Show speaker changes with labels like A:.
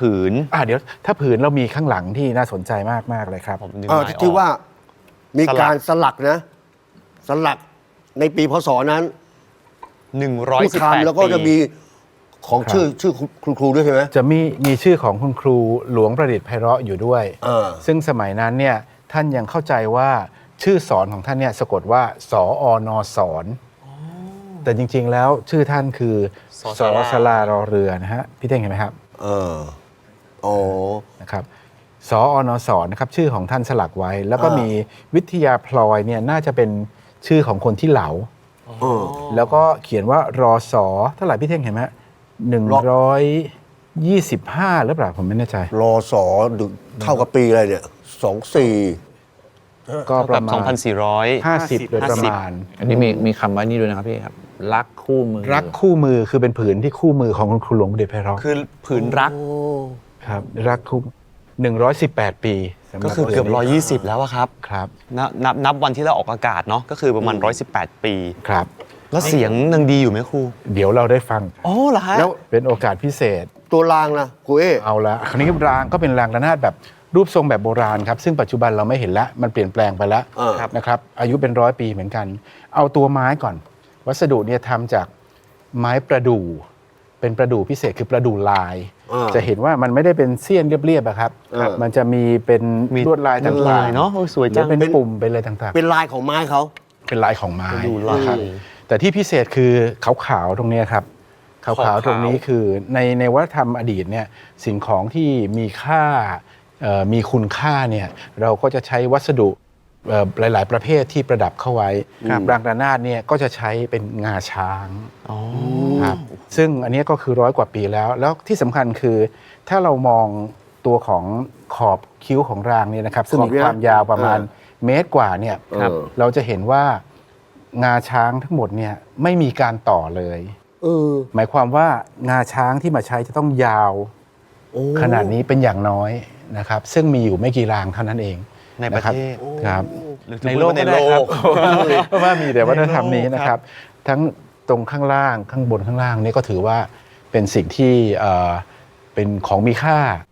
A: ผืน
B: เดี๋ยวถ้าผืนเรามีข้างหลังที่น่าสนใจมากๆเลยครับ
A: ผมดึงไม้ออก
C: ที่ว่ามีการสลักนะ สลักในปีพศนั้นผู้ทำแล้วก็จะมีของชื่อคุณครูด้วยใช่ไหม
B: จะมีชื่อของคุณครูหลวงประดิษฐ์ไพเราะอยู่ด้วยซึ่งสมัยนั้นเนี่ยท่านยังเข้าใจว่าชื่อสอนของท่านเนี่ยสะกดว่าสอนสอนแต่จริงๆแล้วชื่อท่านคือสสลารอเรือนะฮะพี่เท่งเห็นไหมครับนะครับสอนสอนนะครับชื่อของท่านสลักไว้ แล้วก็มีวิทยาพลอยเนี่ยน่าจะเป็นชื่อของคนที่เหลาแล้วก็เขียนว่ารอสอเท่าไหร่พี่เท่งเห็นไหม125หรือเปล่าผมไม่แน่ใจ
C: รอสอเท่ากับปีอะไรเนี่ย24
B: ก็ประมาณ
A: 2,450
B: โดยประมาณ
D: อันนี้มีคำว่านี่ด้วยนะครับพี่ครับรักคู่มือ
B: รักคู่มือคือเป็นผืนที่คู่มือของคุณครูหลวงประดิษฐ์ไพเราะ
A: คือผืนรัก
B: ครับรักคู่118 ปี
A: ก็คือเกือบ120แล้วครับ
B: ครับ
A: นับวันที่เราออกอากาศเนาะก็คือประมาณ118 ปี
B: ครับ
A: แล้วเสียงยังดีอยู่ไหมครู
B: เดี๋ยวเราได้ฟัง
A: เหรอฮะ
B: แล้วเป็นโอกาสพิเศษ
C: ตัวรางนะครู
B: เอาละคราวนี้รางก็เป็นรางระนาดแบบรูปทรงแบบโบราณครับซึ่งปัจจุบันเราไม่เห็นแล้วมันเปลี่ยนแปลงไปแล้วนะครับอายุเป็น100 ปีเหมือนกันเอาตัวไม้ก่อนวัสดุเนี่ยทำจากไม้ประดู่เป็นประดู่พิเศษคือประดู่ลายจะเห็นว่ามันไม่ได้เป็นเสี้ยนเรียบๆครับมันจะมีเป็นลวดลายต่างๆ
A: เนาะสวยจัง
B: เป็นปุ่มเป็นอะไรต่าง
C: ๆเป็นลายของไม้เขา
B: เป็นลายของไม้นะครับแต่ที่พิเศษคือขาวๆตรงนี้ครับขาวๆตรงนี้คือในวัฒนธรรมอดีตเนี่ยสิ่งของที่มีค่ามีคุณค่าเนี่ยเราก็จะใช้วัสดุหลายๆประเภทที่ประดับเข้าไว้รางระนาดเนี่ยก็จะใช้เป็นงาช้างครับซึ่งอันนี้ก็คือ100 กว่าปีแล้วที่สำคัญคือถ้าเรามองตัวของขอบคิ้วของรางเนี่ยนะครับซึ่งมีความยาวประมาณ1 เมตรกว่าเนี่ยเราจะเห็นว่างาช้างทั้งหมดเนี่ยไม่มีการต่อเลยหมายความว่างาช้างที่มาใช้จะต้องยาวขนาดนี้เป็นอย่างน้อยนะครับซึ่งมีอยู่ไม่กี่รางเท่านั้นเอง
A: ในประเทศ
B: ครับในโลกก็ได้ครับเพราะว่ามีแต่วัฒนธรรมนี้นะครับทั้งตรงข้างล่างข้างบนข้างล่างนี่ก็ถือว่าเป็นสิ่งที่เป็นของมีค่า